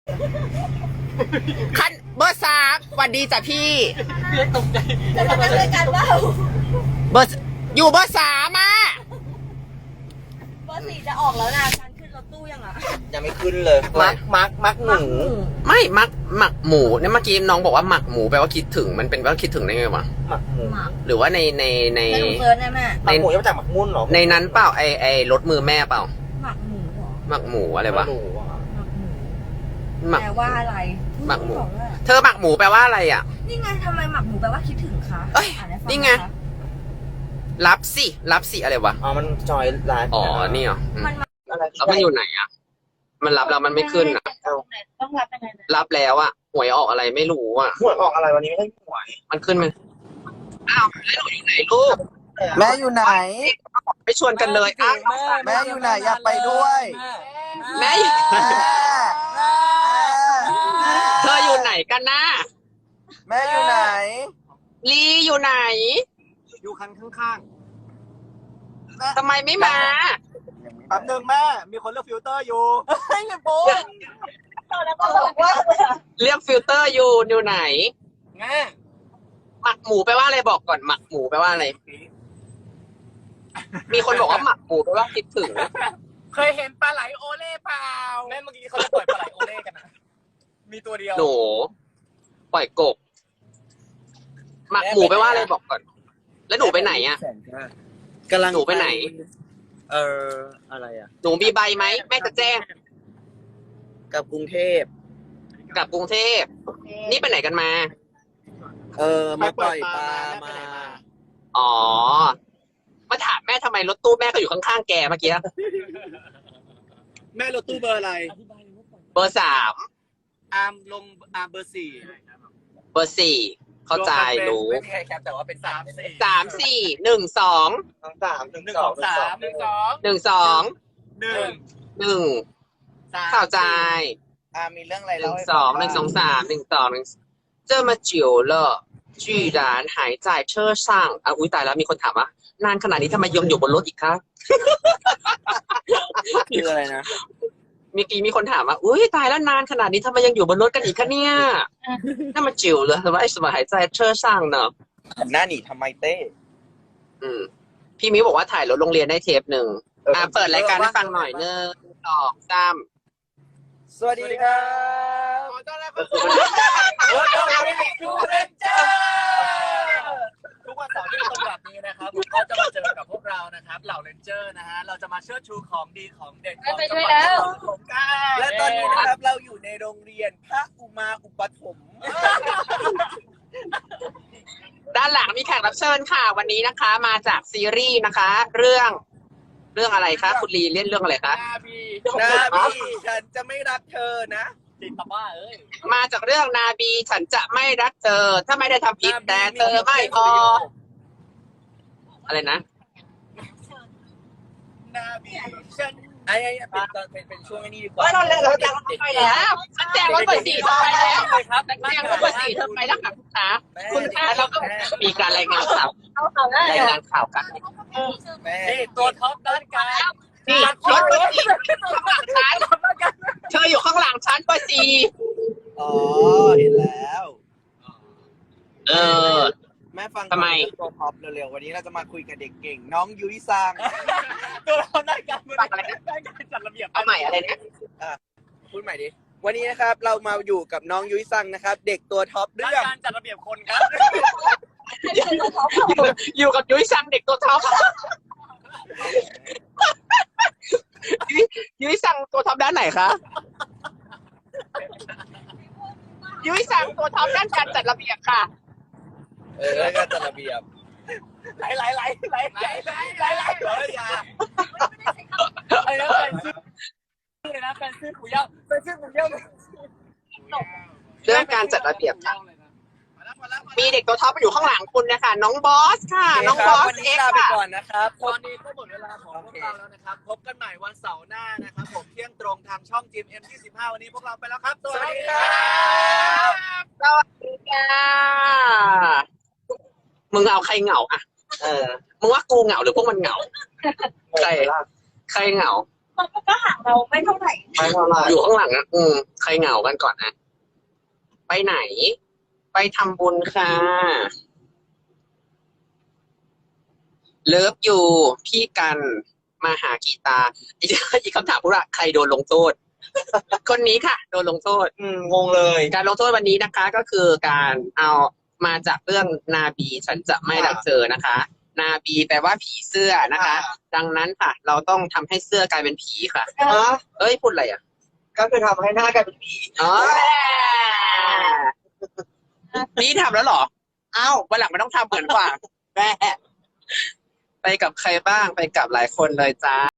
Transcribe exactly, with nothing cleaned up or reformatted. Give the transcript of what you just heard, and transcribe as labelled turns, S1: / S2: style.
S1: ขั้นเบอร์สามสวัสดีจ้ะพี่
S2: เพื่อนตกใจ
S3: จะมากันด้วยกันว่า
S1: เบอร์อยู่เบอร์สามอ่ะ
S3: เบอร์สี่จะออกแล้วนะการขึ้นรถตู้ยังอ่ะ
S2: ยังไม่ขึ้นเลยมักมักมักหมู
S1: ไม่มักหมักหมูเนี่ยเมื่อกี้น้องบอกว่าหมักหมูแปลว่าคิดถึงมันเป็นว่าคิดถึงได้ไงวะ
S2: หมักหมู
S1: หรือว่าในในใน
S3: ในเซิร์ชได้แม่
S2: หมักหมูยังจากหมักมุ่นหรอ
S1: ในนั้นเปล่าไอไอรถมือแม่เปล่า
S3: หมักหมูหรอ
S1: หมักหมูอะไรวะ
S3: หมักหมูแปลว่าอะไร
S1: หมักหมูเธอหมักหมูแปลว่าอะไรอ่ะ
S3: นี่ไงทำไมหมักหมูแปลว่าคิดถึงคะ
S1: เอ้ยนี่ไงรับสิรับสิอะไรวะ
S2: อ๋อมันจอยไลฟ์
S1: อ๋อนี่เหรอมันแล้วมันอยู่ไหนอ่ะมันรับแล้วมันไม่ขึ้นอ่ะ
S3: ต้องรับยังไง
S1: รับแล้วอ่ะหวยออกอะไรไม่รู้อ่ะ
S2: หวยออกอะไรวันนี้ไม่ได้หวย
S1: มันขึ้นไหมอ้าวแล้วหนูอยู่ไหนลูก
S4: แม่อยู่ไหน
S1: ไปชวนกันเลยอ้าว
S4: แม่อยู่ไหนอยากไปด้วย
S1: แม่เธออยู่ไหนกันนะ
S4: แม่อยู่ไหน
S1: ลีอยู่ไหน
S2: อยู่คันข้าง
S1: ๆทำไมไม่มา
S2: แป๊บนึงแม่มีคนเลือกฟิลเตอร์อยู่
S3: เฮ้ยโบ๊ะแล้วก็บอกว่า
S1: เรียกฟิลเตอร์อยู่อยู่ไหน
S2: แม่
S1: หมักหมูแปลว่าอะไรบอกก่อนหมักหมูแปลว่าอะไรมีคนบอกว่าหมักหมูแปลว่าคิดถึง
S2: เคยเห็นปลาไหลโอเล่เปล่าแม่เมื่อกี้เขาจะปล่อยปลาไหลโอเล่กันนะมีตัวเดียว
S1: หนูปล่อยกบหมักหมูแปลว่าอะไรบอกก่อนแล้วหนูไปไหนอ่ะ
S4: กำลัง
S1: หนูไปไหน
S4: เอออะไรอ่ะ
S1: หนูมีใบไหมแม่จะแจ้ง
S4: กับกรุงเทพ
S1: กับกรุงเทพนี่ไปไหนกันมา
S4: เออมาปล่อยปลามา
S1: อ๋อมาถามแม่ทำไมรถตู้แม่ก็อยู่ข้างๆแกเมื่อกี้
S4: แม่รถตู้เบอร์อะไร
S1: เบอร์สาม
S4: อาร์มลงอาร์มเบอร์สี่
S1: เบอร์สี่เข้าใจรู้
S2: ไม่แค่แคปแต่ว่าเป็นสามสี่
S1: สามสี่หนึ่งสอง
S2: สามหนึ่งสองสามหนึ่งสอง
S1: หนึ่งสอง
S2: หนึ่ง
S1: หนึ่งเข้าใจ
S4: อาร์มมีเรื่องอะไร
S1: หนึ่งสองหนึ่งสองสามหนึ่งสองหนึ่ง这么久了居然还在车上อ่ะอุ้ยตายแล้วมีคนถามว่านานขนาดนี้ทำไมยังอยู่บนรถอีกคะ
S4: คืออะไรนะ
S1: เมื่อกี้มีคนถามว่าอุ้ยตายแล้วนานขนาดนี้ทำไมยังอยู่บนรถกันอีกคะเนี่ยถ้ามาจิ๋วเลยแต่ว่าไอ้สมัยหายใจเชื่อช่างเนอะ
S4: หน้าหนีทำไมเต้
S1: อืมพี่มิ้วบอกว่าถ่ายรถโรงเรียนได้เทปหนึ่งอ่าเปิดรายการให้ฟังหน่อยเนื้อสองสาม
S4: สวัสดีครับ
S2: ขอต้อนรับเข้าสู่รถโรงเรียนทูเรนเจอร์ทุกวันเสาร์ที่ตรงแบบนี้นะครับก็จะมาเจอกับพวกเรานะครับเหล่าเรนเจอร์นะฮะเราจะมาเชิดชูของดีของเด็ดของจังหวัดสงขลา
S4: และตอนนี้นะครับเราอยู่ในโรงเรียนพระอุมาอุปถมภ์
S1: ด้านหลังมีแขกรับเชิญค่ะวันนี้นะคะมาจากซีรีส์นะคะเรื่องเรื่องอะไรคะคุณลีเล่นเรื่องอะไรคะ
S4: นาบีนาบีฉันจะไม่รักเธอนะ
S2: ติดตาบ้าเอ้ย
S1: มาจากเรื่องนาบีฉันจะไม่รักเธอถ้าไม่ได้ทำผิดแต่เธอไม่พออะไรนะ
S2: นาบีฉันไอ้ไอ้เป็นตอนเป็นเป็นช่วงนี้ดีกว่า
S1: เราเล่นเราแจ้งไปแล้วแจ้งว่าเบอร์สี่เธอไปแล้ว
S2: เลยครับ
S1: แจ้งว่าเบอร์สี่เธอไปแล้วค่ะคุณตาคุณตาเราก็มีการรายงานข่าวรายงานข่าวกัน
S2: นี่ตัวท็อปด้านการ
S1: นี่รถเบอร์สี่ข้างหลังฉันเธออยู่ข้างหลังฉันเบอร์สี่
S4: อ๋อเห็นแล้ว
S1: เออ
S4: แม่ฟัง
S1: ทำไม
S4: ตัวท็อปเร็วๆวันนี้เราจะมาคุยกับเด็กเก่งน้องยุ้ยซัง
S2: ตัวเราได้การฟังอะไรนะได้การจัดระเบียบ
S1: เอาใหม่อะไรนะ
S4: อ่ะพูดใหม่ดิวันนี้นะครับเรามาอยู่กับน้องยุ้ยซังนะครับเด็กตัวท็อปเรื่อง
S2: การจัดระเบียบคนครับ
S1: อยู่กับยุ้ยซังเด็กตัวท็อปยุ้ยซังตัวท็อปด้านไหนคะยุ้ยซังตัวท็อปด้านการจัดระเบียบค่ะ
S4: เออแล้วก็จัดระเบียบ
S2: ไหลไหลไหลไหลไหลไหลไหลไหลไหลอย่าไอ้แล้วแฟนซื้อเลยนะแฟนซื้อหมูย่างแฟนซื้อหมูย่าง
S1: เรื่องการจัดระเบียบมีเด็กตัวท็อปอยู่ข้างหลังคุณนะคะน้องบอสค่ะน้องบอส
S4: เอ็กซ์ไปก่อนนะครับ
S2: ตอนนี้ก็หมดเวลาของพวกเราแล้วนะครับพบกันใหม่วันเสาร์หน้านะครับผมเที่ยงตรงทางช่องจีเอ็มยี่สิบห้าวันนี้พวกเราไปแล้วครับสวัสดีครับ
S1: สวัสดีค่ะมึงเอาใครเหงาอ่ะเออมึงว่ากูเหงาหรือพวกมันเหงาใครใครเหงา
S3: มันก็ห่างเราไม่เท่าไหร่
S4: ไม่เท่าไหร่
S1: อยู่ข้างหลังอ่ะอืมใครเหงากันก่อนนะไปไหน ไปทำบุญค่ะเลิฟอยู่พี่กันมาหากีตาร์อีกอีกคำถามพูดว่าใครโดนลงโทษ คนนี้ค่ะ โดนลงโทษ
S4: อืมงงเลย
S1: การลงโทษวันนี้นะคะ ก็คือการเอามาจากเรื่องนาบีฉันจะไม่รักเธอนะคะ นาบีแปลว่าผีเสื้อนะคะ ดังนั้นค่ะ เราต้องทำให้เสื้อกลายเป็นผีค่ะ
S4: ฮะ
S1: เอ้ยพูดอะไรอ่ะ
S4: ก็คือทำให้หน้ากลายเป็นผี
S1: อ๋อนี่ทำแล้วเหรออ้าววันหลังไม่ต้องทำเหมือนกว่าแม่ไปกับใครบ้างไปกับหลายคนเลยจ้า